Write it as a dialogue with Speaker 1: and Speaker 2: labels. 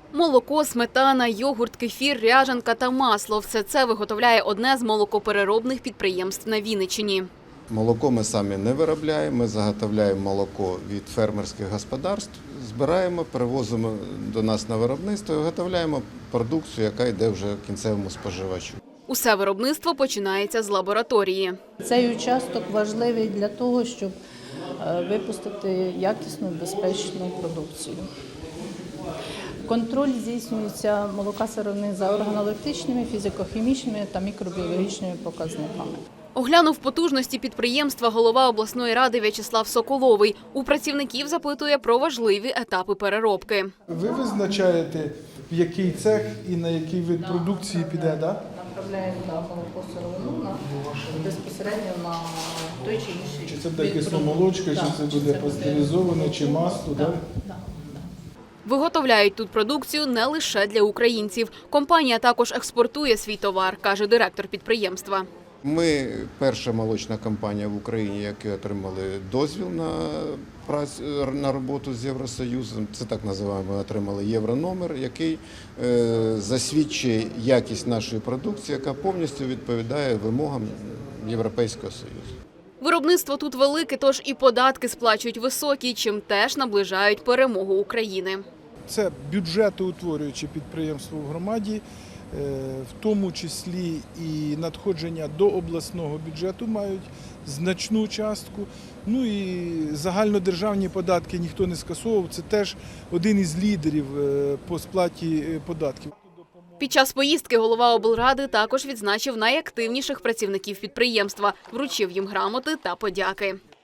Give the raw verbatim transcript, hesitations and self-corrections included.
Speaker 1: Молоко, сметана, йогурт, кефір, ряжанка та масло – все це виготовляє одне з молокопереробних підприємств на Вінниччині.
Speaker 2: Молоко ми самі не виробляємо, ми заготовляємо молоко від фермерських господарств, збираємо, перевозимо до нас на виробництво і виготовляємо продукцію, яка йде вже кінцевому споживачу.
Speaker 1: Усе виробництво починається з лабораторії.
Speaker 3: Цей участок важливий для того, щоб випустити якісну, безпечну продукцію. Контроль здійснюється молока сировини за органолептичними, фізико-хімічними та мікробіологічними показниками.
Speaker 1: Оглянув потужності підприємства голова обласної ради В'ячеслав Соколовий. У працівників запитує про важливі етапи переробки.
Speaker 4: Ви визначаєте, в який цех і на який вид продукції піде, так?
Speaker 3: Направляємо на молоко сировину на, безпосередньо на той чи інший.
Speaker 4: Чи це буде кисломолочка, чи це буде пастеризоване, чи масло, так?
Speaker 1: Виготовляють тут продукцію не лише для українців. Компанія також експортує свій товар, каже директор підприємства.
Speaker 2: Ми перша молочна компанія в Україні, які отримали дозвіл на працю, на роботу з Євросоюзом. Це так називаємо, ми отримали єврономер, який е, засвідчує якість нашої продукції, яка повністю відповідає вимогам Європейського Союзу.
Speaker 1: Виробництво тут велике, тож і податки сплачують високі, чим теж наближають перемогу України.
Speaker 4: Це бюджетоутворююче підприємство в громаді, в тому числі і надходження до обласного бюджету мають значну частку. Ну і загальнодержавні податки ніхто не скасовував. Це теж один із лідерів по сплаті податків.
Speaker 1: Під час поїздки голова облради також відзначив найактивніших працівників підприємства, вручив їм грамоти та подяки.